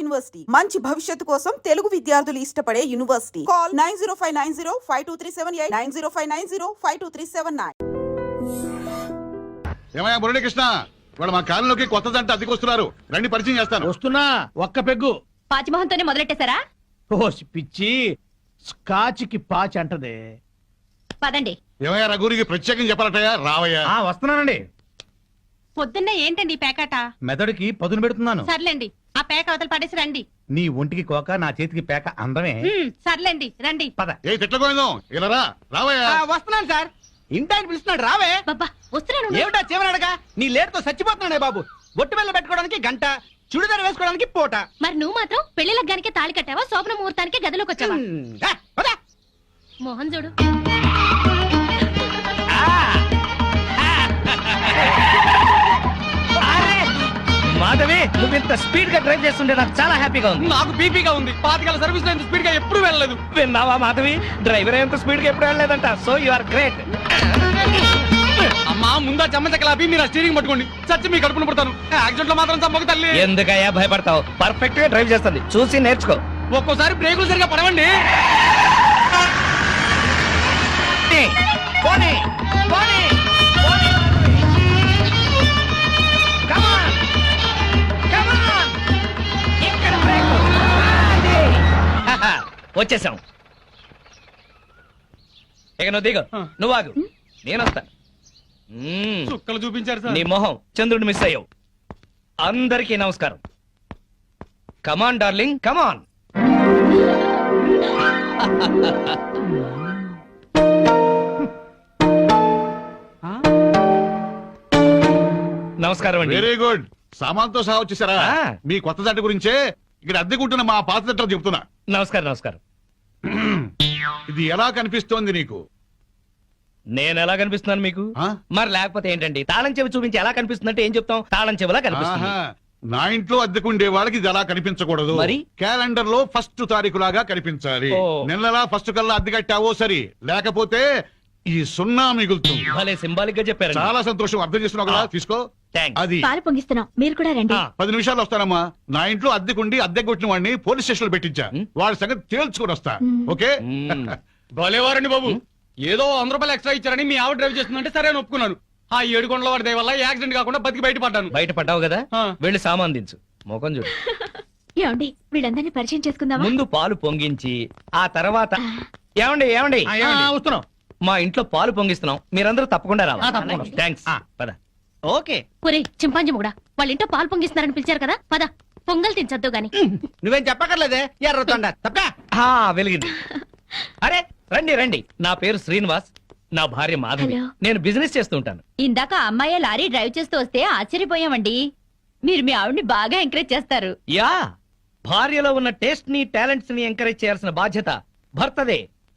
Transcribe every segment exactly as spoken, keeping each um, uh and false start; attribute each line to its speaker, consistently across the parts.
Speaker 1: University మంచి భవిష్యత్తు కోసం తెలుగు విద్యార్థులు ఇష్టపడే university. Call nine zero five nine zero five two three seven eight nine zero five nine zero five two three seven nine.
Speaker 2: ఏమయ్యా మురళీకృష్ణ, వాళ్ళు మా కాలంలోకి కొత్త జంట అద్దెకొస్తున్నారు, రండి పరిచయం చేస్తాను.
Speaker 3: వస్తున్నా. ఒక్క పెగ్గు.
Speaker 4: పాచిమోహన్తోనే మొదలెట్టేశారా?
Speaker 3: ఓ పిచ్చి, స్కాచ్కి పాచి అంటదే.
Speaker 4: పదండి.
Speaker 2: ఏమయ్యా రఘురికి ప్రత్యేకం చెప్పాలటయ్యా, రావయ్యా.
Speaker 3: ఆ వస్తున్నానండి.
Speaker 4: పొద్దున్నే ఏంటండి పేకాట?
Speaker 3: మెదడుకి పదును పెడుతున్నాను.
Speaker 4: సర్లేండి, ఆ పేక అవతల పడేసి రండి.
Speaker 3: నీ ఒంటికి కోక, నా చేతికి పేక అందమే.
Speaker 4: ఉమ్, సర్లేండి రండి.
Speaker 3: పద.
Speaker 2: ఏ తిట్లకోయిందో ఇలా రా, రావయ్యా.
Speaker 5: వస్తున్నాను సార్. ఇంటాయన పిలుస్తున్నాడు, రావే.
Speaker 4: బాబా వస్తున్నాను.
Speaker 5: ఏమిటా చివరడగా? నీ లేటుతో చచ్చిపోతున్నాడే బాబు. బొట్టు వెళ్ళ పెట్టుకోవడానికి గంట, చుడిదారు వేసుకోవడానికి పూట.
Speaker 4: మరి నువ్వు మాత్రం పెళ్లి లగ్గానికే తాళి కట్టావా, శోభన ముహూర్తానికి గదిలోకి వచ్చావా?
Speaker 5: హ్మ్. ఆ, పద.
Speaker 4: మోహన్ చూడు.
Speaker 6: మాధవి, నువ్వు ఇంత స్పీడ్ గా డ్రైవ్ చేస్తుంటే నాకు చాలా హ్యాపీగా ఉంది.
Speaker 5: నాకు బీపీగా ఉంది. పాతికాల సర్వీస్ లో ఇంత స్పీడ్ గా ఎప్పుడు వెళ్ళలేదు.
Speaker 6: విన్నావా మాధవి, డ్రైవర్ ఎంత స్పీడ్ గా ఎప్పుడు వెళ్ళలేదంట. So you are great.
Speaker 5: అమ్మా ముందా చెమ్మచక్కలాపి మీరు స్టీరింగ్ పట్టుకోండి. చచ్చి మీ కడుపును పుడతాను. యాక్సిడెంట్ లో మాత్రం చంపక తల్లి.
Speaker 6: ఎందుకయ్యా భయపడతావు? పర్ఫెక్ట్ గా డ్రైవ్ చేస్తుంది, చూసి నేర్చుకో.
Speaker 5: ఒక్కోసారి బ్రేకులు సరిగా పడవండి.
Speaker 6: పోనీ, పోనీ, పోనీ. Come on, come on. ఇక్కడ బ్రేకు. అది. వచ్చేసాం. ఇక నువ్వు దిగు, నువ్వు ఆగు, నేను వస్తా. మ్మ్.
Speaker 5: చుక్కలు చూపించారు
Speaker 6: నీ
Speaker 5: సార్.
Speaker 6: మొహం చంద్రుడు మిస్ అయ్యావు. అందరికీ నమస్కారం. Come on darling, come on. నమస్కారం అండి.
Speaker 2: Very good. సామాన్తో సహా వచ్చేసారా?
Speaker 6: ఆ.
Speaker 2: మీ కొత్త జంట గురించే ఇక్కడ అద్దెకుంటున్న మా పాత జంట చెప్తున్నా.
Speaker 6: నమస్కారం నమస్కారం.
Speaker 2: ఇది ఎలా కనిపిస్తోంది నీకు?
Speaker 6: నేను ఎలా కనిపిస్తున్నాను మీకు?
Speaker 2: ఆ?
Speaker 6: మరి లేకపోతే ఏంటండి, తాళం చెవి చూపించి ఎలా కనిపిస్తుందంటే ఏం చెప్తాం? తాళం చెవిలా కనిపిస్తుంది.
Speaker 2: ఆహా. నా ఇంట్లో అద్దెకుండే వాళ్ళకి ఇది అలా కనిపించకూడదు.
Speaker 6: మరి?
Speaker 2: క్యాలెండర్ లో ఫస్ట్ తారీఖు లాగా కనిపించాలి.
Speaker 6: ఓ.
Speaker 2: నెలలా ఫస్ట్ కల్లా అద్దె కట్టావో సరి, లేకపోతే ఈ సున్నా మిగులుతుంది.
Speaker 6: భలే సింబాలిక్ గా చెప్పారు.
Speaker 2: చాలా సంతోషం, అర్థం చేస్తున్నావు కదా. తీసుకో.
Speaker 6: థాంక్స్.
Speaker 2: అది
Speaker 4: పాలు పొంగిస్తున్నాం, మీరు కూడా రండి.
Speaker 2: పది నిమిషాలు వస్తానమ్మా. నా ఇంట్లో అద్దెకుండి అద్దె కొట్టిన వాడిని పోలీస్ స్టేషన్ లో పెట్టించా. వాడి సంగతి తేల్చుకుని వస్తా. ఓకే.
Speaker 6: మ్మ్.
Speaker 5: భలేవారండి బాబు. ఏదో వంద రూపాయలు ఎక్స్ట్రా ఇచ్చారని మీ ఆవిడ డ్రైవ్ చేస్తుందంటే సరే అని ఒప్పుకున్నాను. ఆ ఏడు కొండల వాడి దయ వల్ల యాక్సిడెంట్ కాకుండా బతికి బయటపడ్డాను.
Speaker 6: బయట పడ్డావు కదా,
Speaker 5: ఆ.
Speaker 6: వెళ్ళి సామాన్ దించు. మొఖం చూడు.
Speaker 4: ఏమండి, వీళ్ళందరినీ పరిచయం చేసుకుందామా?
Speaker 6: ముందు పాలు పొంగించి ఆ తర్వాత ఏమండి ఏమండి
Speaker 3: వస్తున్నాం.
Speaker 6: మా ఇంట్లో పాలు పొంగిస్తున్నాం, మీరందరూ తప్పకుండా రావాలి. థ్యాంక్స్. పద.
Speaker 3: ఓకే.
Speaker 4: ఒరే చింపాంజీ ముడా, వాళ్ళ ఇంట్లో పాలు పొంగిస్తున్నారని పిలిచారు కదా, పద పొంగల్ తినచద్దు గాని.
Speaker 5: నువ్వేం చెప్పక్కర్లేదే ఎర్రతొండ తప్ప.
Speaker 6: ఆ, వెలిగింది. అరే రండి రండి, నా పేరు శ్రీనివాస్, నా భార్య మాధవి.
Speaker 4: హలో.
Speaker 6: నేను బిజినెస్ చేస్తూ ఉంటాను.
Speaker 4: ఇందాక అమ్మాయి లారీ డ్రైవ్ చేస్తూ వస్తే ఆశ్చర్యపోయామండి. మీరు మీ ఆవిడ్ని బాగా ఎంకరేజ్ చేస్తారు.
Speaker 6: యా, భార్యలో ఉన్న టేస్ట్ ని టాలెంట్స్ ని ఎంకరేజ్ చేయాల్సిన బాధ్యత భర్తదే.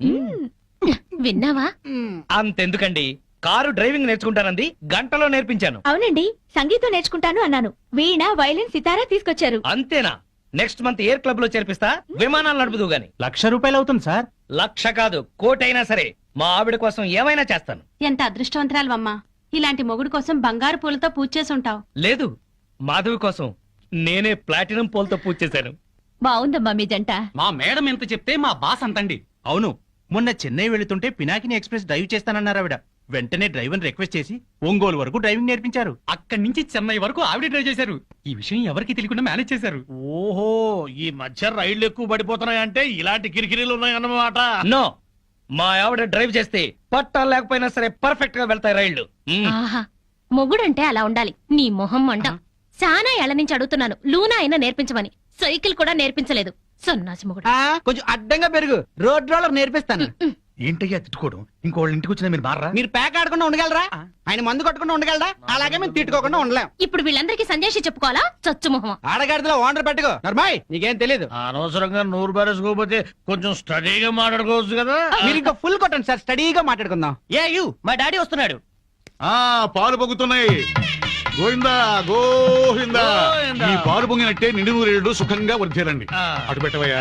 Speaker 4: విన్నావా?
Speaker 6: అంతెందుకండి, కారు డ్రైవింగ్ నేర్చుకుంటానంది, గంటలో నేర్పించాను.
Speaker 4: అవునండి, సంగీతం నేర్చుకుంటాను అన్నాను. వీణ, వైలిన్, సితారా తీసుకొచ్చారు.
Speaker 6: అంతేనా? నెక్స్ట్ మంత్ ఎయిర్ క్లబ్ లో చేర్పిస్తా, విమానాలు నడుపుదు గాని.
Speaker 3: లక్ష రూపాయలు అవుతుంది సార్.
Speaker 6: లక్ష కాదు, కోటైనా సరే మా ఆవిడ కోసం ఏమైనా చేస్తాను.
Speaker 4: ఎంత అదృష్టవంతరాలవమ్మా, ఇలాంటి మొగుడు కోసం బంగారు పూలతో పూజ చేసి ఉంటావు.
Speaker 6: లేదు, మాధవి కోసం నేనే ప్లాటినం పోల్తో పూజ చేశాను.
Speaker 4: బాగుందమ్మా మీ జంట.
Speaker 5: మా మేడం ఎంత చెప్తే మా బాస్ అంతండి.
Speaker 3: అవును, మొన్న చెన్నై వెళుతుంటే పినాకిని ఎక్స్ప్రెస్ డ్రైవ్ చేస్తానన్నారు ఆవిడ. వెంటనే డ్రైవర్ రిక్వెస్ట్ చేసి ఒంగోలు వరకు డ్రైవింగ్ నేర్పించారు.
Speaker 5: అక్కడి నుంచి చెన్నై వరకు ఆవిడ డ్రైవ్ చేశారు. ఈ విషయం ఎవరికి తెలియకుండా మేనేజ్ చేశారు.
Speaker 3: ఓహో, ఈ మధ్య రైళ్లు ఎక్కువ పడిపోతున్నాయంటే ఇలాంటి కిరికిరీలు ఉన్నాయన్నమాట.
Speaker 6: నో, మా ఆవిడ డ్రైవ్ చేస్తే పట్టాలు లేకపోయినా సరే పర్ఫెక్ట్ గా వెళ్తాయి రైళ్లు. మ్మ్.
Speaker 4: ఆహా, మొగుడంటే అలా ఉండాలి. నీ మొహం మంట. చాలా ఏళ్ల నుంచి అడుగుతున్నాను, లూనా అయినా నేర్పించమని. సైకిల్ కూడా నేర్పించలేదు, సన్నాసి మొగుడు.
Speaker 5: కొంచెం అడ్డంగా పెరుగు, రోడ్ రోలర్ నేర్పిస్తాను.
Speaker 3: ఏంటయ్యా తిట్టుకోవడం? ఇంకోళ్ళ ఇంటికి వచ్చినా మీరు మారా?
Speaker 5: మీరు ప్యాక్ ఆడకుండా ఉండగలరా? ఆయన మందు కొట్టకుండా ఉండగలరా? అలాగే మేము తిట్టుకోకుండా ఉండలేం.
Speaker 4: ఇప్పుడు వీళ్ళందరికీ సందేశం చెప్పుకోవాలా? చచ్చు మొహం.
Speaker 5: ఆడగాడిలో ఓనర్ పెట్టుకో. నర్మాయ్, నీకేం తెలీదు.
Speaker 3: అనవసరంగా నూరు బారేసుకోకపోతే కొంచెం స్టడీగా మాట్లాడుకోవచ్చు కదా.
Speaker 5: మీరు ఇంకా ఫుల్ కొట్టండి సార్, స్టడీగా మాట్లాడుకుందాం.
Speaker 6: ఏ యు, మా డాడీ వస్తున్నాడు.
Speaker 2: ఆ పాలు పొంగుతున్నాయి. గోవిందా గోవిందా.
Speaker 3: గోవిందా.
Speaker 2: ఈ పాలు పొంగినట్టే నిండు నూరేళ్లు సుఖంగా వర్ధేలండి.
Speaker 3: ఆ.
Speaker 2: అటు పెట్టవయ్యా.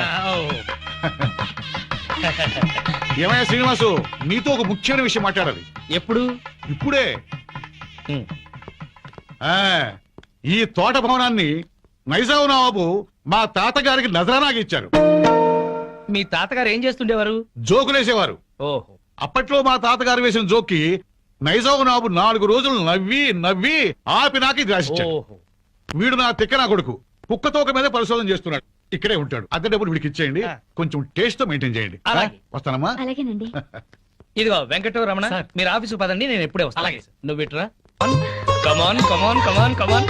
Speaker 2: ఏమయ్యా శ్రీనివాసు, నీతో ఒక ముఖ్యమైన విషయం మాట్లాడాలి.
Speaker 6: ఎప్పుడు?
Speaker 2: ఇప్పుడే.
Speaker 6: మ్మ్.
Speaker 2: ఆ ఈ తోట భవనాన్ని నైజాం నవాబు మా తాతగారికి నజరానాగా ఇచ్చారు.
Speaker 6: మీ తాతగారు ఏం చేస్తుండేవారు?
Speaker 2: జోకులేసేవారు.
Speaker 6: ఓహో.
Speaker 2: అప్పట్లో మా తాతగారు వేసిన జోక్కి నైజాం నాబు నాలుగు రోజులు నవ్వి నవ్వి ఆపి నాకి రాసిచ్చాడు.
Speaker 6: ఓహో.
Speaker 2: వీడు నా తిక్క నా కొడుకు కుక్కతోక మీద పరిశోధన చేస్తున్నాడు. ఇక్కడే ఉంటాడు. అద్దె డబ్బులు వీడికి ఇచ్చేయండి.
Speaker 6: ఆ.
Speaker 2: కొంచెం టేస్ట్ తో మెయింటైన్ చేయండి.
Speaker 6: అలాగే.
Speaker 2: ఆ, వస్తానమ్మా.
Speaker 7: అలాగేనండి.
Speaker 6: ఇదిగో వెంకట రమణ,
Speaker 5: సార్.
Speaker 6: మీరు ఆఫీసు పదండి, నేను ఎప్పుడే వస్తాను.
Speaker 5: అలాగే.
Speaker 6: నువ్వు ఇట్రా. Come on come on come on come on.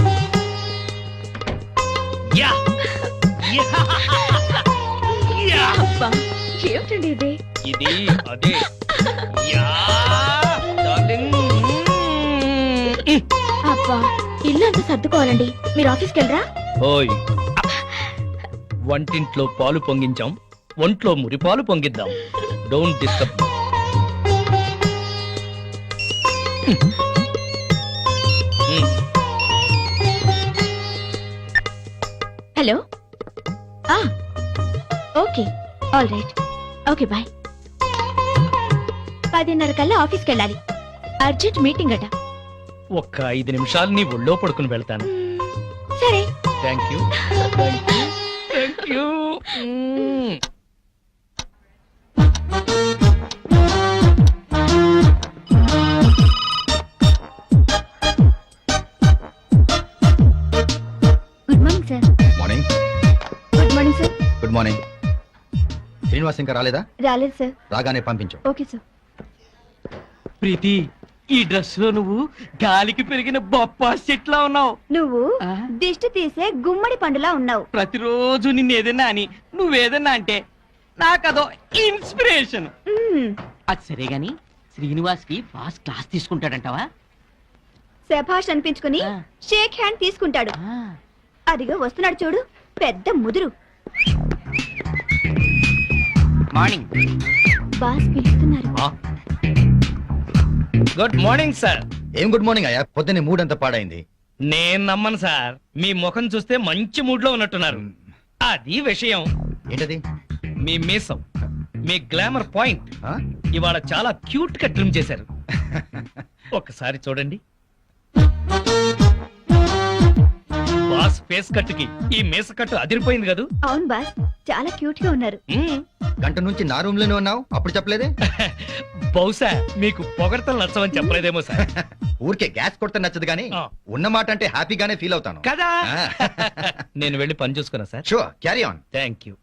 Speaker 6: Yeah yeah.
Speaker 7: అబ్బా, ఏమిటండి ఇది?
Speaker 6: ఇది అదే. Yeah darling.
Speaker 7: అబ్బా, ఇల్లు అంతా సర్దుకోవాలండి. మీరు ఆఫీస్కి వెళ్ళరా?
Speaker 6: ఓయ్, వంటింట్లో పాలు పొంగించాం, ఒంట్లో మురిపాలు పొంగిద్దాం. Don't disturb.
Speaker 7: హలో. ఆ, okay, all right. Okay, bye. పదిన్నర కల్లా ఆఫీస్కి వెళ్ళాలి. అర్జెంట్ మీటింగ్ అట.
Speaker 6: ఒక్క ఐదు నిమిషాలు నీ ఒళ్ళో పడుకుని వెళ్తాను.
Speaker 7: సరే.
Speaker 6: Thank you thank you thank you.
Speaker 7: Good morning sir.
Speaker 8: Morning.
Speaker 7: Good morning sir.
Speaker 8: Good morning. Srinivas ఇంకా రాలేదా?
Speaker 7: రాలేదు సార్.
Speaker 8: రాగానే పంపించు.
Speaker 7: Okay sir.
Speaker 3: ప్రీతి, ఈ డ్రెస్ లో నువ్వు గాలికి పెరిగిన బొప్పా చెట్లా ఉన్నావు.
Speaker 7: నువ్వు
Speaker 3: ఆ?
Speaker 7: దిష్టి తీసే గుమ్మడి పండులా ఉన్నావు.
Speaker 3: ప్రతిరోజు నిన్ను ఏదైనా అని నువ్వేదన్నా అంటే నాకదో ఇన్స్పిరేషన్.
Speaker 7: మ్మ్.
Speaker 9: అది సరే గాని శ్రీనివాస్ కి బాస్ క్లాస్ తీసుకుంటాడంటావా?
Speaker 7: శభాష్ అనిపించుకుని
Speaker 9: ఆ.
Speaker 7: షేక్ హ్యాండ్ తీసుకుంటాడు.
Speaker 9: ఆ,
Speaker 7: అదిగో వస్తున్నాడు చూడు, పెద్ద ముదురు.
Speaker 9: మార్నింగ్.
Speaker 7: బాస్ పిలుస్తున్నారు.
Speaker 6: Good morning sir.
Speaker 8: ఏం గుడ్ మార్నింగ్ అయ్యా, పొద్దున్నే మూడ్ అంతా పాడైంది.
Speaker 6: నేను నమ్మను సార్, మీ ముఖం చూస్తే మంచి మూడ్ లో ఉన్నట్టున్నారు. అది విషయం.
Speaker 8: ఏంటది?
Speaker 6: మీ మీసం, మీ గ్లామర్ పాయింట్
Speaker 8: ఆ?
Speaker 6: ఇవాళ చాలా క్యూట్ గా ట్రిమ్ చేశారు. ఒక్కసారి చూడండి. బాస్ ఫేస్ కట్ కి ఈ మీస కట్టు అదిరిపోయింది కదూ.
Speaker 7: అవును బాస్, చాలా క్యూట్ గా ఉన్నారు.
Speaker 6: మ్మ్.
Speaker 8: గంట నుంచి నా రూమ్ లోనే ఉన్నావు, అప్పుడు చెప్పలేదే?
Speaker 6: బహుశా మీకు పొగడతలు నచ్చవని చెప్పలేదేమో సార్.
Speaker 8: ఊరికే గ్యాస్ కొడితే నచ్చదు కానీ
Speaker 6: ఆ.
Speaker 8: ఉన్న మాట అంటే హ్యాపీగానే ఫీల్ అవుతాను.
Speaker 6: కదా. నేను వెళ్ళి పని చూసుకున్నా sir.
Speaker 8: Sure, carry on.
Speaker 6: Thank you.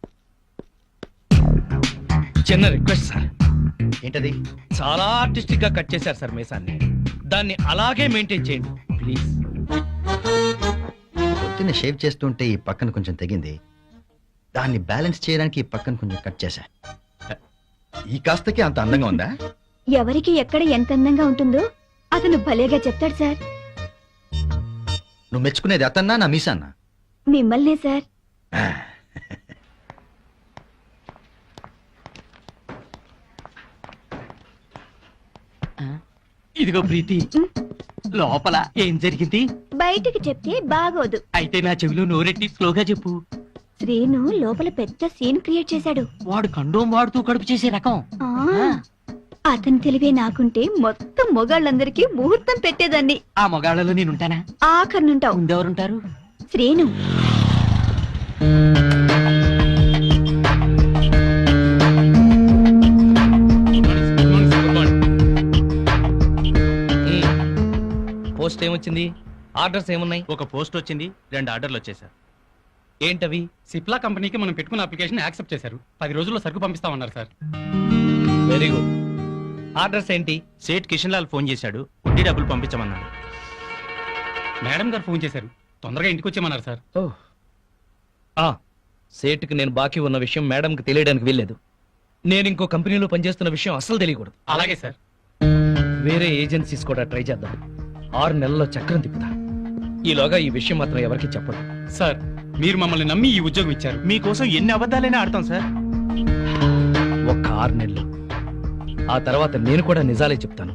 Speaker 6: చిన్న రిక్వెస్ట్ సార్.
Speaker 8: ఏంటది?
Speaker 6: చాలా ఆర్టిస్టిక్ గా కట్ చేశారు సార్ మీసాన్ని. దాన్ని అలాగే మెయింటైన్ చేయండి ప్లీజ్.
Speaker 8: పొద్దున్నే షేవ్ చేస్తుంటే ఈ పక్కన కొంచెం తెగింది, దాన్ని బ్యాలెన్స్ చేయడానికి ఈ పక్కన కొంచెం కట్ చేశా. ఈ కాస్తకి అంత అందంగా ఉందా?
Speaker 7: ఎవరికి ఎక్కడ ఎంత అందంగా ఉంటుందో అతను భలేగా చెప్తాడు సార్.
Speaker 8: నువ్వు మెచ్చుకునేది అతన్నా నా మీసాన్నా?
Speaker 7: మిమ్మల్నే సార్.
Speaker 9: ఇదిగో ప్రీతి, లోపల ఏం జరిగింది?
Speaker 7: బయటికి చెప్తే బాగోదు.
Speaker 9: అయితే నా చెవిలో నోరెట్టి స్లోగా చెప్పు.
Speaker 7: శ్రీను లోపల పెద్ద సీన్ క్రియేట్ చేశాడు.
Speaker 9: వాడు కండోం వాడుతూ కడుపు చేసే రకం.
Speaker 7: ఆ, అతని తెలివే నాకుంటే మొత్తం మొగాళ్ళందరికీ ముహూర్తం పెట్టేదాన్ని.
Speaker 9: ఆ మొగాళ్ళలో నేనుంటానా?
Speaker 7: ఆఖరినుంటావు.
Speaker 9: ముందెవరుంటారు?
Speaker 7: శ్రీను.
Speaker 6: పోస్ట్ ఏమొచ్చింది? ఆర్డర్స్ ఏమున్నాయి?
Speaker 3: ఒక పోస్ట్ వచ్చింది, రెండు ఆర్డర్లు వచ్చేసారు.
Speaker 6: ఏంటవి?
Speaker 5: సిప్లా కంపెనీకి మనం పెట్టుకున్న అప్లికేషన్ యాక్సెప్ట్ చేశారు. పది రోజుల్లో సరుకు పంపిస్తామన్నారు సార్.
Speaker 6: Very good. ఆర్డర్స్ ఏంటి?
Speaker 3: సేట్ కిషన్ లాల్ ఫోన్ చేశాడు, వడ్డీ డబ్బులు పంపించమన్నాడు.
Speaker 5: మేడం గారు ఫోన్ చేశారు, తొందరగా ఇంటికి వచ్చేయమన్నారు సార్.
Speaker 6: ఆ సేటుకి నేను బాకీ ఉన్న విషయం మేడంకి తెలియడానికి వీల్లేదు. నేను ఇంకో కంపెనీలో పనిచేస్తున్న విషయం అస్సలు తెలియకూడదు.
Speaker 5: అలాగే సార్.
Speaker 6: వేరే ఏజెన్సీస్ కూడా ట్రై చేద్దాం. ఆరు నెలల్లో చక్రం తిప్పుతా. ఈలోగా ఈ విషయం మాత్రం ఎవరికి చెప్పదు.
Speaker 5: సార్, మీరు మమ్మల్ని నమ్మి ఈ ఉద్యోగం ఇచ్చారు.
Speaker 3: మీకోసం ఎన్ని అబద్ధాలైనా ఆడతాం సార్.
Speaker 6: ఒక్క ఆరు నెలలు, ఆ తర్వాత నేను కూడా నిజాలే చెప్తాను.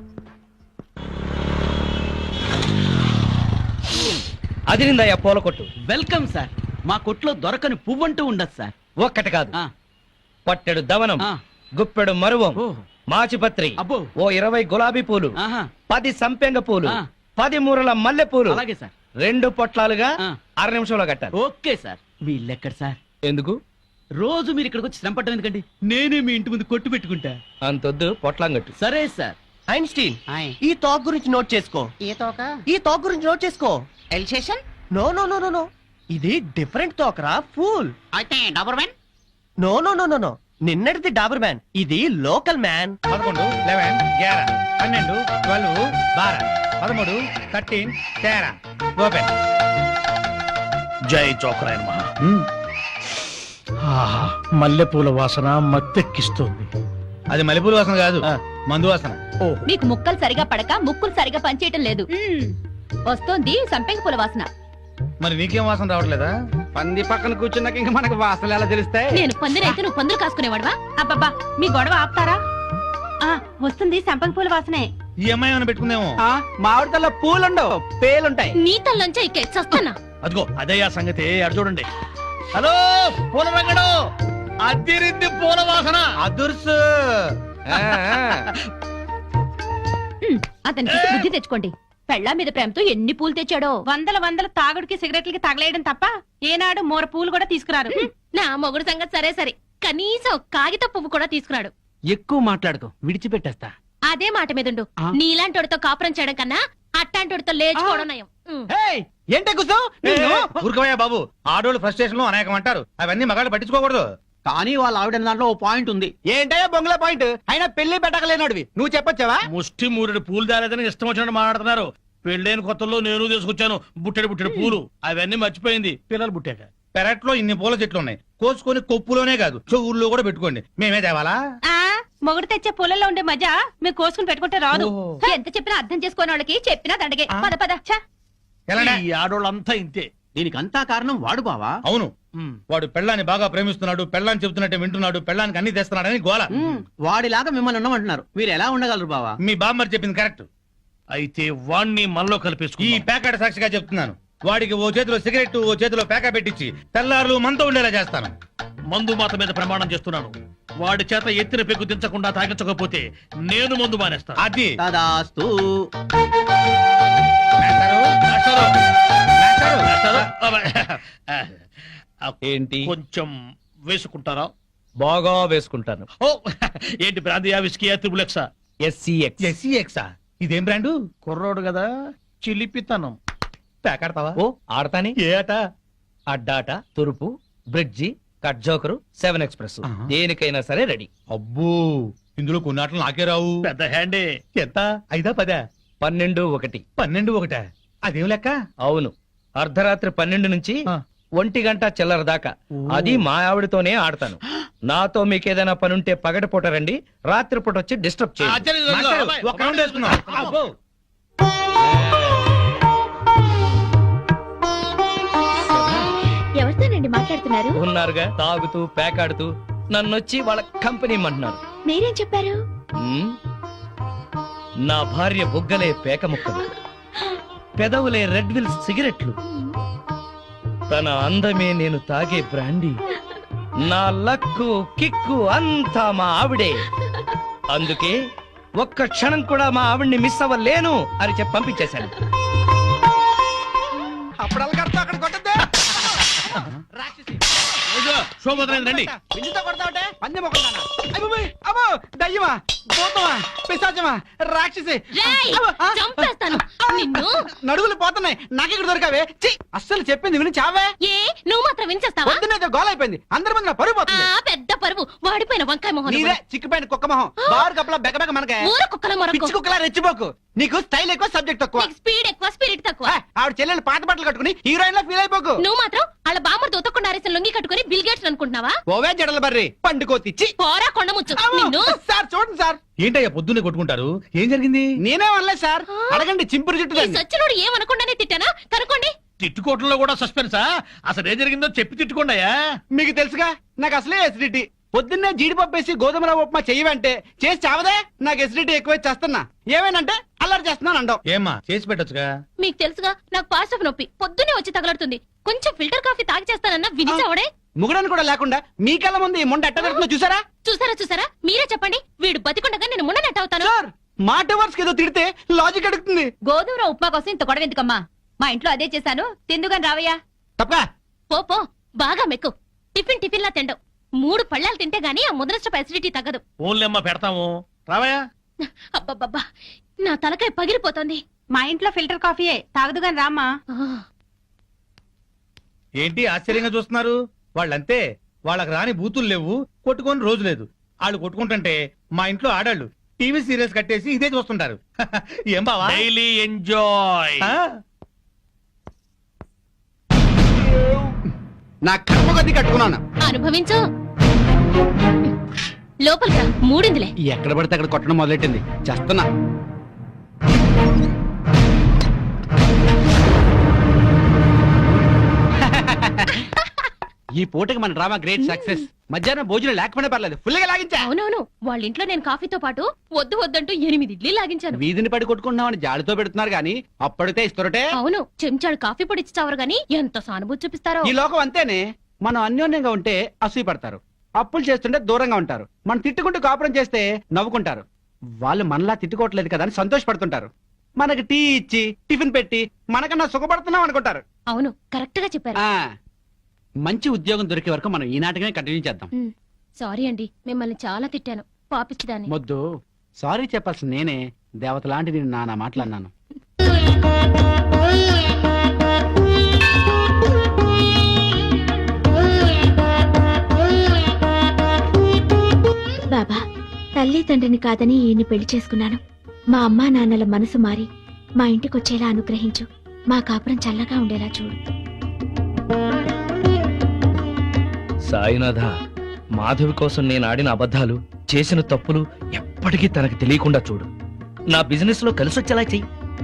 Speaker 6: అదిరిందయ్యా పూల కొట్టు.
Speaker 9: Welcome sir. మా కొట్లో దొరకని పువ్వంటూ ఉండదు సార్.
Speaker 6: ఒక్కటి కాదు,
Speaker 9: ఆ,
Speaker 6: పట్టెడు దవనం,
Speaker 9: ఆ.
Speaker 6: గుప్పెడు మరువం,
Speaker 9: ఓ,
Speaker 6: మాచిపత్రి,
Speaker 9: అబ్బో.
Speaker 6: ఓ ఇరవై గులాబీ పూలు,
Speaker 9: ఆహా,
Speaker 6: పది సంపెంగ పూలు,
Speaker 9: ఆ.
Speaker 6: పది మూరల మల్లె పూలు,
Speaker 9: అలాగే సార్.
Speaker 6: రెండు పొట్లాలుగా
Speaker 9: ఆ.
Speaker 6: అర నిమిషంలో కట్టాలి.
Speaker 9: ఓకే సార్ మీ ఇల్లు ఎక్కడ సార్?
Speaker 6: ఎందుకు?
Speaker 9: రోజు మీరు ఇక్కడికి వచ్చి శ్రమ పట్టడం ఎందుకండి? నేనే మీ ఇంటి ముందు కొట్టు పెట్టుకుంటా.
Speaker 6: అంతొద్దు, పొట్లాం కట్టు.
Speaker 9: సరే సార్.
Speaker 10: ఐన్స్టీన్
Speaker 9: ఆయ్.
Speaker 10: ఈ టాక్ గురించి నోట్ చేసుకో.
Speaker 9: ఏ తోక?
Speaker 10: ఈ టాక్ గురించి నోట్ చేసుకో.
Speaker 9: Alsatian?
Speaker 10: No no no no no ఇది డిఫరెంట్ టాక్ రా ఫూల్.
Speaker 9: అయితే Doberman?
Speaker 10: No no no no no నిన్నటిది డాబర్ మ్యాన్, ఇది లోకల్ మ్యాన్.
Speaker 3: పదకొండు లెవెన్ గ్యారా పన్నెండు ట్వెల్వ్ బారా పదమూడు థర్టీన్ తేరా ఓపెన్.
Speaker 11: జై చోకరాయన్ మహా. ఆహా, మల్లెపూల వాసన మత్తెక్కిస్తోంది.
Speaker 3: అది మల్లెపూల వాసన కాదు, మందు వాసన.
Speaker 7: మీకు ముక్కలు సరిగా పడక ముక్కులు సరిగా పనిచేయటం లేదు. వస్తోంది సంపెంగ పూల వాసన.
Speaker 3: మరి నీకేం వాసన రావట్లేదా?
Speaker 5: పంది పక్కన కూర్చున్నాక ఇంకా మనకు వాసనలు ఎలా తెలుస్తాయి?
Speaker 4: నేను పందిరైతే నువ్వు పందులు కాసుకునేవాడువా?
Speaker 7: అబ్బబ్బా మీ గొడవ ఆపుతారా? ఆ వస్తుంది సంపెంగ పూల వాసనే.
Speaker 3: ఈ అమ్మాయి ఏమైనా పెట్టుకుందేమో.
Speaker 5: మామిడి తల్ల పూలుండవు, పేలుంటాయి.
Speaker 4: నీ తల్లంచా ఇకే చస్తానా?
Speaker 11: అదిగో అదే ఆ సంగతి, అటు చూడండి.
Speaker 3: హలో పూల రంగడు, అదిరింది పూల వాసన. అదుర్సు.
Speaker 7: అతనికి బుద్ధి తెచ్చుకోండి. పెళ్ళా మీద ప్రేమతో ఎన్ని పూలు తెచ్చాడో. వందల వందల తాగుడికి సిగరెట్లకి తగలేయడం తప్ప ఏనాడు మోర పూలు కూడా తీసుకురారు.
Speaker 4: నా మొగుడు సంగతి సరే సరే, కనీసం ఒక కాగిత పువ్వు కూడా తీసుకురాడు.
Speaker 9: ఎక్కువ మాట్లాడుకో, విడిచిపెట్టేస్తా.
Speaker 4: అదే మాట మీదుండు.
Speaker 9: ఆ?
Speaker 4: నీలాంటోడితో కాపురం చేయడం కన్నా అట్టాంటోడితో లేచుకోవడం నయం. ఉమ్.
Speaker 5: ఏంటే కూర్చో?
Speaker 3: ఊరుకోవయ్యా బాబు, ఆడోళ్ళు ఫ్రస్ట్రేషన్ లో అనేకం అంటారు, అవన్నీ మగాళ్ళు పట్టించుకోకూడదు.
Speaker 5: కానీ వాళ్ళ ఆవిడ దాంట్లో ఓ పాయింట్ ఉంది. ఏంటయ్యా బొంగుల పాయింట్? అయినా పెళ్లి పెట్టకలేనాడివి నువ్వు చెప్పొచ్చావా?
Speaker 11: ముష్టి మూరెడు పూలు దాలేదని ఇష్టం వచ్చినట్టు మాట్లాడుతున్నారు. పెళ్ళైన కొత్తలో నేను తీసుకొచ్చాను బుట్టెడు బుట్టెడు పూలు, అవన్నీ మర్చిపోయింది పిల్లలు పుట్టాక.
Speaker 3: పెరట్లో ఇన్ని పూల చెట్లు ఉన్నాయి, కోసుకొని కొప్పులోనే కాదు చెవుల్లో కూడా పెట్టుకోండి. మేమే తేవాలా?
Speaker 7: ఆ మొగుడు తెచ్చే పూలలో ఉండే మజా మీరు కోసుకుని పెట్టుకుంటే రాదు. ఎంత చెప్పినా అర్థం చేసుకోని వాళ్ళకి చెప్పినా దండగే. పద పద ఛ.
Speaker 3: ఎలానే?
Speaker 11: ఈ ఆడోళ్ళంతా ఇంతే.
Speaker 5: దీనికంతా కారణం వాడు బావా.
Speaker 3: అవును,
Speaker 11: ఉమ్.
Speaker 3: వాడు పెళ్ళాన్ని బాగా ప్రేమిస్తున్నాడు, పెళ్ళాన్ని చెబుతున్నట్టే వింటున్నాడు, పెళ్ళానికి అన్ని తెస్తున్నాడని గోల.
Speaker 5: వాడిలాగా మిమ్మల్ని ఉండమంటున్నారు. మీరు ఎలా ఉండగలరు బావా?
Speaker 3: మీ బామ్మర్ చెప్పింది కరెక్ట్.
Speaker 11: అయితే వాణ్ణి మనలో
Speaker 3: ఈ
Speaker 11: కలిపేసుకుని
Speaker 3: ప్యాకెట్ సాక్షిగా చెప్తున్నాను, వాడికి ఓ చేతిలో సిగరెట్ ఓ చేతిలో ప్యాకెట్ పెట్టించి తెల్లారులు మనతో ఉండేలా చేస్తాను.
Speaker 11: మందు మాత మీద ప్రమాణం చేస్తున్నాను. వాడి చేత ఎత్తిన పెగ్గు దించకుండా తాగించకపోతే నేను మందు మానేస్తాను.
Speaker 3: అది
Speaker 5: తదాస్తు.
Speaker 3: మేస్టారు, మేస్టారు, మేస్టారు.
Speaker 11: చేస్తారా? ఆ,
Speaker 6: ఏంటి?
Speaker 11: కొంచెం వేసుకుంటారా?
Speaker 6: బాగా వేసుకుంటాను.
Speaker 11: ఓ ఏంటి బ్రాందియా విస్కీయా త్రిబులెక్సా?
Speaker 6: ఎస్సీఎక్స్.
Speaker 3: ఎస్సీ ఎక్సా? ఇదేం బ్రాండు?
Speaker 11: కుర్రోడు కదా, చిలిపితనం.
Speaker 3: ప్యాకెడతావా?
Speaker 6: ఓ ఆడతాని.
Speaker 3: ఏ ఆట?
Speaker 6: అడ్డాట, తురుపు, bridge, cut joker, seven express,
Speaker 3: ఆహా.
Speaker 6: దేనికైనా సరే రెడీ.
Speaker 3: అబ్బో, ఇందులో కొన్ని ఆటలు నాకే రావు.
Speaker 11: పెద్ద హ్యాండే.
Speaker 3: ఎంత? ఐదా పదా?
Speaker 6: పన్నెండు ఒకటి.
Speaker 3: పన్నెండు ఒకటా? అదేం లెక్క?
Speaker 6: అవును, అర్ధరాత్రి పన్నెండు నుంచి
Speaker 3: ఆ.
Speaker 6: ఒంటి గంట చిల్లర దాకా. అది మా ఆవిడతోనే ఆడతాను. నాతో మీకేదైనా పనుంటే పగటిపూట రండి, రాత్రిపూట వచ్చి డిస్టర్బ్ చేయండి.
Speaker 11: ఆశ్చర్యం లేదు.
Speaker 3: మాస్టారు,
Speaker 11: అబ్బాయి,
Speaker 3: ఒక్క రౌండ్ వేసుకుందాం. అబ్బో.
Speaker 7: ఎవరితోనండి మాట్లాడుతున్నారు?
Speaker 6: ఉన్నారుగా, తాగుతూ పేకాడుతూ నన్నొచ్చి వాళ్ళ కంపెనీ ఇమ్మంటున్నారు.
Speaker 7: మీరేం చెప్పారు?
Speaker 6: ఉమ్, నా భార్య బుగ్గలే పేక ముక్కలు, పెదవులే రెడ్ విల్స్ సిగరెట్లు, తన అందమే నేను తాగే బ్రాండీ, నా లక్కు కిక్కు అంతా మా ఆవిడే. అందుకే ఒక్క క్షణం కూడా మా ఆవిడ్ని మిస్ అవ్వలేను అని చెప్పి పంపించేశాను.
Speaker 5: అప్పుడల్లా కడతా అక్కడ కొట్టద్దే.
Speaker 11: ఏదో, శోభోదయం రండి.
Speaker 5: పిల్లితో కొడతావుటే పందెం ఒకదానా? అయ్యబాబోయ్, అబ్బో, దయ్యమా, భూతమా, పిశాచమా, రాక్షసి.
Speaker 4: రేయ్,
Speaker 5: అబ్బో, ఆ,
Speaker 4: చంపేస్తాను నిన్ను.
Speaker 5: నడువులు పోతున్నాయి, నాకెక్కడ దొరకావే? ఛీ, అస్సలు చెప్పింది విని చావే.
Speaker 4: ఏ నువ్వు మాత్రం వినిచేస్తావా?
Speaker 5: పొద్దునేదో గోల అయిపోయింది, అందరి ముందు నా పరువు
Speaker 4: ఆ
Speaker 5: పోతుంది.
Speaker 4: పెద్ద పరువు వాడిపోయిన వంకాయ మొహం
Speaker 5: నీదే చిక్కిపోయిన కుక్క మొహం, బారు కప్పలా బెగబెగ మనకే.
Speaker 4: ఊర కుక్కల మొరకు.
Speaker 5: పిచ్చి కుక్కలా రెచ్చిపోకు. నీకు స్టైల్ ఎక్కువ, సబ్జెక్ట్ తక్కువ.
Speaker 4: నీకు స్పీడ్ ఎక్కువ స్పిరిట్ తక్కువ.
Speaker 5: ఆ, ఆవిడ చెల్లెలు పాత బట్టలు కట్టుకుని హీరోయిన్ లా ఫీల్ అయిపోకు.
Speaker 4: నువ్వు మాత్రం వాళ్ళ బామ్మర్తో ఉతకుండా అరేసిన లొంగి కట్టుకుని బిల్ గేట్స్ అనుకుంటున్నావా?
Speaker 5: ఓవే జడల బర్రి పండుకోతి. ఛీ,
Speaker 4: పోరా కొండముచ్చు
Speaker 5: అమ్మో,
Speaker 4: నిన్ను.
Speaker 5: సార్ చూడండి సార్.
Speaker 3: ఏంటయ్యా పొద్దున్నే కొట్టుకుంటారు? ఏం జరిగింది?
Speaker 5: నేనే అనలేదు సార్, అడగండి చింపురు చుట్టూ
Speaker 4: ఈ
Speaker 5: దాన్ని.
Speaker 4: సచ్చినోడు ఏమనకుండానే తిట్టానా? కనుకోండి.
Speaker 11: తిట్టుకోవటంలో కూడా సస్పెన్సా? అసలు ఏం జరిగిందో చెప్పి తిట్టుకోండియా.
Speaker 5: మీకు తెలుసుగా నాకు అసలే ఎసిడిటీ. పొద్దున్నే జీడిపప్పు వేసి గోధుమ రవ్వ ఉప్మా చెయ్యవంటే చేసి చావదే. నాకు ఎసిడిటీ ఎక్కువై చేస్తున్నా. ఏమేనంటే అల్లరి చేస్తున్నాను అంటావు.
Speaker 3: ఏమ్మా చేసి పెట్టొచ్చుగా?
Speaker 4: మీకు తెలుసుగా నాకు పాస్ ఆఫ్ నొప్పి పొద్దునే వచ్చి తగలడుతుంది. కొంచెం ఫిల్టర్ కాఫీ తాగి చేస్తానన్నా వినిచావడే.
Speaker 5: ముగడని కూడా లేకుండా మీ కళ్ళ ముందు ఈ మొండ ఎట్ట పెడుతుందో చూసారా?
Speaker 4: చూసారా చూసారా మీరే చెప్పండి. వీడు బతికుండగా నేను మున్న నెట్ అవుతాను.
Speaker 5: సార్ మాట వర్స్ ఏదో తిడితే లాజిక్ అడుగుతుంది.
Speaker 7: గోధుమ ఉప్మా కోసం ఇంత గొడవ ఎందుకమ్మా? మా ఇంట్లో అదే చేశాను తిందుగాని రావయ్యా.
Speaker 5: తప్పగా
Speaker 4: పో పో బాగా మెక్కు. టిఫిన్ టిఫిన్ లా తిండవు. మూడు పళ్ళాలు తింటే గానీ ఆ ముద్రస్టప్ అసిడిటీ తగ్గదు.
Speaker 11: ఓన్లేమ్మా పెడతాము రావయ్యా.
Speaker 4: అబ్బబ్బబ్బా నా తలకాయ పగిలిపోతోంది.
Speaker 7: మా ఇంట్లో ఫిల్టర్ కాఫీయే తాగదుగాని రామ్మా.
Speaker 4: ఆ,
Speaker 11: ఏంటి ఆశ్చర్యంగా చూస్తున్నారు? వాళ్ళంతే, వాళ్ళకి రాని బూతులు లేవు, కొట్టుకొని రోజు లేదు. వాళ్ళు కొట్టుకుంటుంటే మా ఇంట్లో ఆడాళ్ళు టీవీ సీరియల్స్ కట్టేసి ఇదే చూస్తుంటారు. ఏం బావా? Daily enjoy.
Speaker 5: నా కర్మ కొద్ది కట్టుకున్నాను.
Speaker 4: అనుభవించు. లోపలికి రా, మూడిందిలే.
Speaker 5: ఎక్కడ పడితే అక్కడ కొట్టడం మొదలెట్టింది. చేస్తున్నా. ఈ పూటకి మన డ్రామా గ్రేట్ సక్సెస్. మధ్యాహ్నం భోజనం లేకపోయినా పర్లేదు, ఫుల్ గా లాగించా.
Speaker 4: అవునవును, వాళ్ళ ఇంట్లో నేను కాఫీతో పాటు వద్దు వద్దంటూ ఎనిమిది ఇడ్లీ లాగించాను.
Speaker 5: వీధిని పడి కొట్టుకుంటున్నామని జాడితో పెడుతున్నారు గానీ అప్పటితే ఇస్తురటే.
Speaker 4: అవును, చెంచాడు కాఫీ పొడి ఇచ్చి చావరు గాని ఎంత సానుభూతి చూపిస్తారో.
Speaker 5: ఈ లోకం అంతేనే. మనం అన్యోన్యంగా ఉంటే అసూయ పడతారు, అప్పులు చేస్తుంటే దూరంగా ఉంటారు. మనం తిట్టుకుంటూ కాపురం చేస్తే నవ్వుకుంటారు. వాళ్ళు మనలా తిట్టుకోవట్లేదు కదా అని సంతోషపడుతుంటారు. మనకి టీ ఇచ్చి టిఫిన్ పెట్టి మనకన్నా సుఖపడుతున్నాం అనుకుంటారు.
Speaker 4: అవును, కరెక్ట్ గా చెప్పారు.
Speaker 5: ఆ మంచి ఉద్యోగం దొరికే వరకు మనం ఈ నాటకమే కంటిన్యూ చేద్దాం.
Speaker 4: ఉమ్, సారీ అండి, మిమ్మల్ని చాలా తిట్టాను. పాపిచ్చిదాన్ని.
Speaker 5: మొద్దు సారీ చెప్పాల్సిన నేనే. దేవత లాంటి నేను నానా మాట్లాడినాను.
Speaker 12: బాబా, తల్లి తండ్రిని కాదని ఈయన్ని పెళ్లి చేసుకున్నాను. మా అమ్మా నాన్నల మనసు మారి మా ఇంటికొచ్చేలా అనుగ్రహించు. మా కాపురం చల్లగా ఉండేలా చూడు.
Speaker 6: సాయినాథ, మాధవి కోసం నేను ఆడిన అబద్ధాలు, చేసిన తప్పులు ఎప్పటికీ తనకు తెలియకుండా చూడు. నా బిజినెస్ లో కలిసొచ్చేలా చెయ్యి.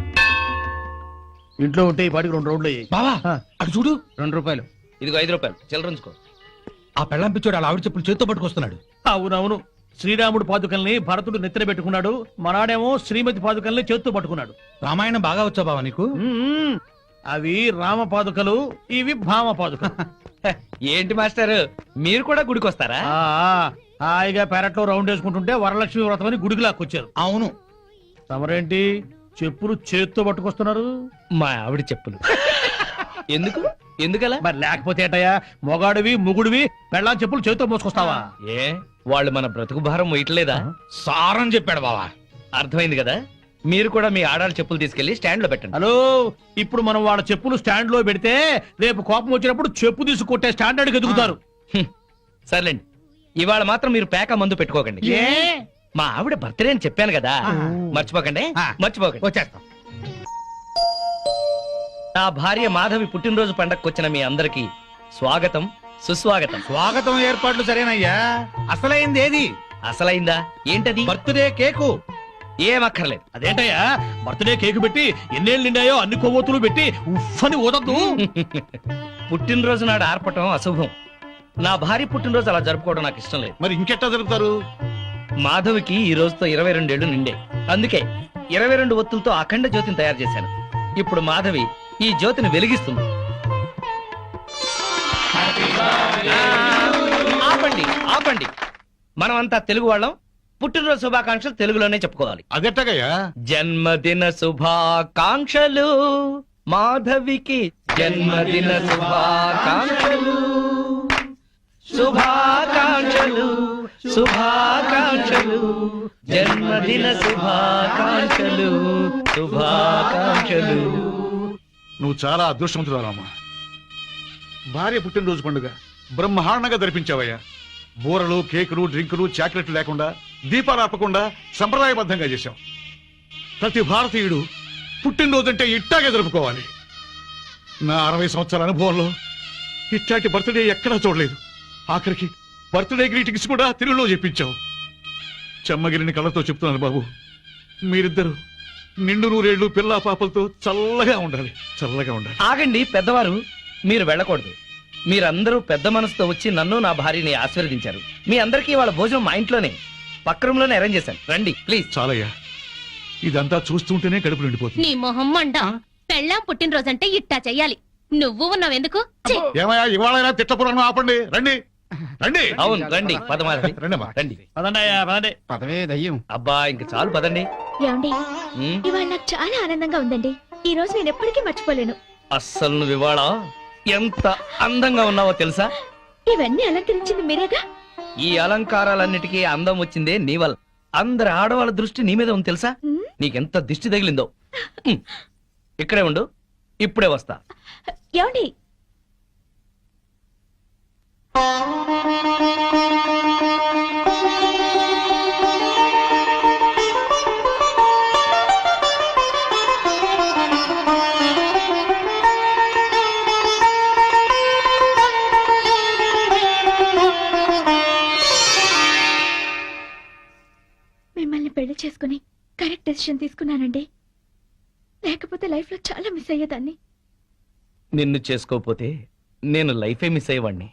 Speaker 11: ఇంట్లో ఉంటే ఈ పాటికి రెండు రోడ్లు అయ్యాయి.
Speaker 3: బావా అటు చూడు.
Speaker 5: రెండు రూపాయలు.
Speaker 6: ఇదిగో ఐదు రూపాయలు చిల్లరంచుకో.
Speaker 3: ఆ పెళ్ళం పిచ్చోడు అలా ఆవిడ చెప్పులు చేత్తో పట్టుకొస్తున్నాడు.
Speaker 11: అవునవును, శ్రీరాముడు పాదుకల్ని భరతుడు నెత్తిన పెట్టుకున్నాడు, మనాడేమో శ్రీమతి పాదుకల్ని చేత్తో పట్టుకున్నాడు.
Speaker 3: రామాయణం బాగా వచ్చా బావా నీకు?
Speaker 11: మ్మ్. అవి రామ పాదుకలు, ఇవి భామ పాదుకలు.
Speaker 6: ఏంటి మాస్టర్, మీరు కూడా గుడికి వస్తారా?
Speaker 11: ఆ, హాయిగా పెరట్లో రౌండ్ వేసుకుంటుంటే వరలక్ష్మి వ్రతం అని గుడికి లాక్కొచ్చారు.
Speaker 3: అవును.
Speaker 11: తమరేంటి చెప్పులు చేత్తో పట్టుకొస్తున్నారు?
Speaker 6: మా ఆవిడ చెప్పులు. ఎందుకు ఎందుకలా?
Speaker 11: మరి లేకపోతే ఏటయ్యా, మొగాడివి ముగుడివి పెళ్ళాం చెప్పులు చేత్తో మోసుకొస్తావా?
Speaker 6: ఏ వాళ్ళు మన బ్రతుకు భారం మొయ్యట్లేదా?
Speaker 3: సారం చెప్పాడు బావా.
Speaker 6: అర్థమైంది కదా. మీరు కూడా మీ ఆడాళ్ళ చెప్పులు తీసుకెళ్లి స్టాండ్ లో పెట్టండి.
Speaker 11: హలో, ఇప్పుడు మనం వాళ్ళ చెప్పులు స్టాండ్ లో పెడితే రేపు కోపం వచ్చినప్పుడు చెప్పు తీసి కొట్టే స్టాండర్డ్ ఎదుగుతారు.
Speaker 6: హ్మ్. సర్లేండి, ఇవాళ మాత్రం మీరు పేక మందు పెట్టుకోకండి.
Speaker 11: ఏ
Speaker 6: మా ఆవిడ బర్త్డే అని చెప్పాను కదా, మర్చిపోకండి.
Speaker 3: ఆ.
Speaker 6: మర్చిపోకండి.
Speaker 3: వచ్చేస్తాం.
Speaker 6: నా భార్య మాధవి పుట్టినరోజు పండగకు వచ్చిన మీ అందరికి స్వాగతం సుస్వాగతం.
Speaker 3: స్వాగతం ఏర్పాట్లు సరేనయ్యా. అసలైంది ఏది?
Speaker 6: అసలైందా? ఏంటది?
Speaker 3: Birthday cake.
Speaker 6: ఏమక్కర్లేదు.
Speaker 11: అదేంటయ్యా, బర్త్డే కేక్ పెట్టి ఎన్నేళ్ళు నిండాయో అన్ని కొవ్వొత్తులు పెట్టి ఉఫ్ అని ఓదద్దు.
Speaker 6: పుట్టినరోజు నాడు ఆర్పటం అశుభం. నా భార్య పుట్టినరోజు అలా జరుపుకోవడం నాకు ఇష్టం లేదు.
Speaker 2: మరి ఇంకెట్టా జరుపుతారు?
Speaker 6: మాధవికి ఈ రోజుతో ఇరవై రెండేళ్లు నిండే, అందుకే ఇరవై రెండు ఒత్తులతో అఖండ జ్యోతిని తయారు చేశాను. ఇప్పుడు మాధవి ఈ జ్యోతిని వెలిగిస్తుంది. ఆపండి ఆపండి, మనమంతా తెలుగు వాళ్ళం. పుట్టినరోజు శుభాకాంక్షలు తెలుగులోనే చెప్పుకోవాలి.
Speaker 2: అదెట్టగయ్యా?
Speaker 6: జన్మదిన శుభాకాంక్షలు మాధవికి, జన్మదిన శుభాకాంక్షలు, శుభాకాంక్షలు శుభాకాంక్షలు, జన్మదిన శుభాకాంక్షలు శుభాకాంక్షలు.
Speaker 2: నువ్వు చాలా అదృష్టవంతురాలమ్మా. భార్య పుట్టినరోజు పండుగ బ్రహ్మాండంగా జరిపించావయ్యా. బూరలు, కేకులు, డ్రింకులు, చాక్లెట్లు లేకుండా, దీపాలు ఆపకుండా సంప్రదాయబద్ధంగా చేశావు. ప్రతి భారతీయుడు పుట్టినరోజు అంటే ఇట్టాగే జరుపుకోవాలి. నా అరవై సంవత్సరాల అనుభవంలో ఇట్లాంటి బర్త్డే ఎక్కడా చూడలేదు. ఆఖరికి బర్త్డే గ్రీటింగ్స్ కూడా తెలుగులో చెప్పించావు. చెమ్మగిరిని కళ్ళతో చెప్తున్నాను బాబు, మీరిద్దరు నిండు నూరేళ్లు పిల్లా పాపలతో చల్లగా ఉండాలి, చల్లగా ఉండాలి.
Speaker 6: ఆగండి పెద్దవారు, మీరు వెళ్ళకూడదు. మీరందరూ పెద్ద మనసుతో వచ్చి నన్ను నా భార్యని ఆశీర్వదించారు. మీ అందరికీ వాళ్ళ భోజనం మా ఇంట్లోనే పక్క రూమ్ లోనే అరేంజ్ చేశాను. రండి ప్లీజ్.
Speaker 2: చాలయ్యా, ఇదంతా చూస్తుంటేనే కడుపు నిండిపోతుంది.
Speaker 4: నీ మొహం మండ. పెళ్ళాం పుట్టినరోజంటే ఇట్టా చెయ్యాలి. నువ్వు ఉన్నావెందుకు? ఛీ!
Speaker 2: ఏమయ్యా, ఇవాళైనా తిట్టపురాణం ఆపండి. రండి రండి.
Speaker 6: అవును రండి, పదమాధవి
Speaker 2: రండమ్మా.
Speaker 6: రండి.
Speaker 11: పదండయ్యా పదండి.
Speaker 5: పదవే దయ్యం.
Speaker 6: అబ్బా ఇంక చాలు పదండి.
Speaker 12: ఏమండి,
Speaker 6: ఉమ్,
Speaker 12: ఇవాళ నాకు చాలా ఆనందంగా ఉందండి. ఈ రోజు నేను ఎప్పటికీ మర్చిపోలేను.
Speaker 6: అస్సలు నువ్వు ఇవాళ ఎంత అందంగా ఉన్నావో తెలుసా?
Speaker 12: ఇవన్నీ అలంకరించింది మీరేగా.
Speaker 6: ఈ అలంకారాలన్నిటికీ అందం వచ్చిందే నీ వల్ల. అందరి ఆడవాళ్ళ దృష్టి నీ మీద ఉంది తెలుసా?
Speaker 12: ఉమ్,
Speaker 6: నీకెంత దిష్టి తగిలిందో. ఉమ్. ఇక్కడే ఉండు, ఇప్పుడే వస్తా.
Speaker 12: ఏమండి? మిమ్మల్ని పెళ్లి చేసుకుని కరెక్ట్ డెసిషన్ తీసుకున్నానండి. లేకపోతే లైఫ్ లో చాలా మిస్ అయ్యేదాన్ని.
Speaker 6: నిన్ను చేసుకోపోతే నేను లైఫే మిస్ అయ్యేవాడిని.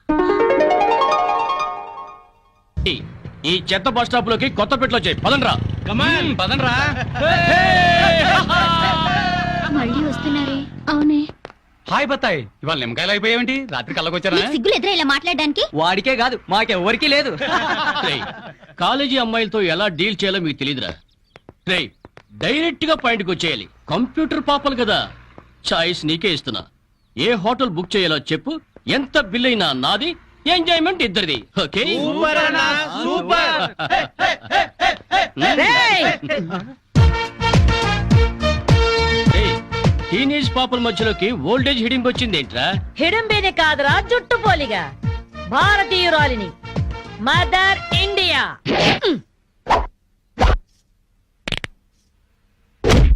Speaker 10: ఈ చెత్త బస్ స్టాప్ లోకి కొత్త పెట్లో చేయి పదండ్రా.
Speaker 5: కమాన్ పదండ్రా.
Speaker 12: మళ్ళీ వస్తున్నారే? అవునే.
Speaker 5: హాయ్ బత్తాయి, ఇవాళ నిమ్మకాయలు అయిపోయావేంటి? రాత్రి కళ్ళకొచ్చారా?
Speaker 4: సిగ్గులు ఎదురా ఇలా మాట్లాడడానికి?
Speaker 10: వాడికే కాదు మాకెవ్వరికీ లేదు. కాలేజీ అమ్మాయిలతో ఎలా డీల్ చేయాలో మీకు తెలియదురా. రేయ్ డైరెక్ట్ గా పాయింట్కి వచ్చేయాలి. కంప్యూటర్ పాపలు కదా, చాయిస్ నీకే ఇస్తున్నా. ఏ హోటల్ బుక్ చేయాలో చెప్పు, ఎంత బిల్ అయినా నాది, ఎంజాయ్మెంట్ ఇద్దరిది. Okay
Speaker 5: super.
Speaker 10: టీనేజ్ పాపల మధ్యలోకి ఓల్డేజ్ హిడింపు వచ్చింది ఏంట్రా?
Speaker 7: హిడంబేనే కాదురా జుట్టు పోలిగా భారతీయురాలిని మదర్ ఇండియా.